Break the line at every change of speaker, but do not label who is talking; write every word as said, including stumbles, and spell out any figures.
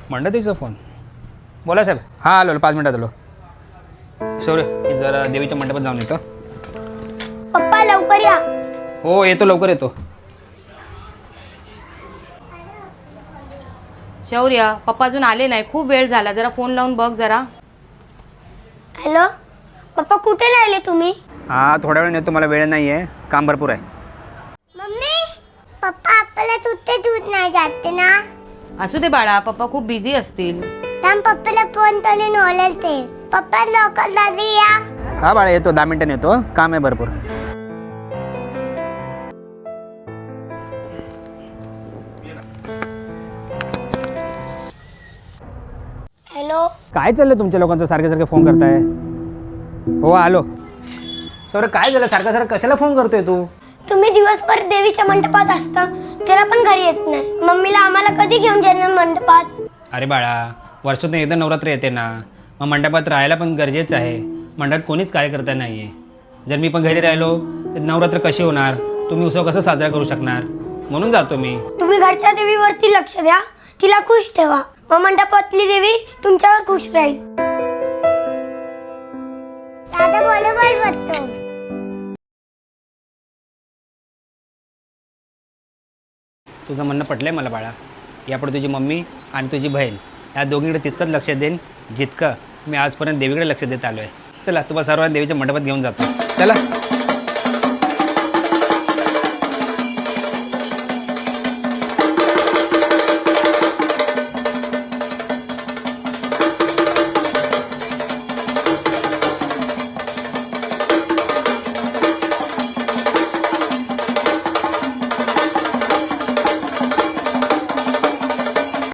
मंडळीचा phone. बोला साहेब. हां आलो पाच मिनटात आलो. शौर्य मी जरा देवीच्या मंडपात जाऊन येतो.
पप्पा लवकर या.
हो येतो लवकर येतो.
शौर्य पप्पा अजून आले नाही, खूप वेळ झाला, जरा फोन लावून बघ जरा.
हॅलो पप्पा, कुठे राहिले तुम्ही?
हां थोड्या वेळ येतो, मला वेळ नाही आहे, काम भरपूर आहे.
मम्मी पप्पा आपल्याला तुझे दूध नाही जाते ना.
असू दे बाळा, पप्पा खूप बिझी असतील.
थांब पप्पाला फोन करून ओळखते. पप्पा लवकर दादी या.
हां बाळा येतो, दहा मिनटांनी येतो, काम आहे भरपूर.
हॅलो
काय चाललंय तुमच्या लोकांचं, सारखे सारखे फोन करताय? हो आलो. सौरभ काय झालं, सारखं सारखं कशाला फोन करतोय तू?
तुम्ही दिवसभर देवीच्या मंडपात असता, जरा पण घरी येत नाही. मम्मीला आम्हाला कधी घेऊन जाणार मंडपात?
अरे बाळा, वर्षातून एकदा नवरात्र येते ना, मग मंडपात राहायला पण गरजेचं आहे. मंडपात कोणीच कार्यकर्ता नाही आहे. जर मी पण घरी राहिलो तर नवरात्र कशी होणार, तुम्ही उत्सव कसं साजरा करू शकणार? म्हणून जातो मी.
तुम्ही घरच्या देवीवरती लक्ष द्या, तिला खुश ठेवा, मग मंडपातली देवी तुमच्यावर खुश राहील. दादा बरोबर बोलतो.
तुझं म्हणणं पटलंय मला बाळा. यापुढे तुझी मम्मी आणि तुझी बहीण या दोघींकडे तितकंच लक्ष देईन जितकं मी आजपर्यंत देवीकडे लक्ष देत आलो आहे. चला तुम्हाला सर्वांना देवीच्या मंडपात घेऊन जातो. चला.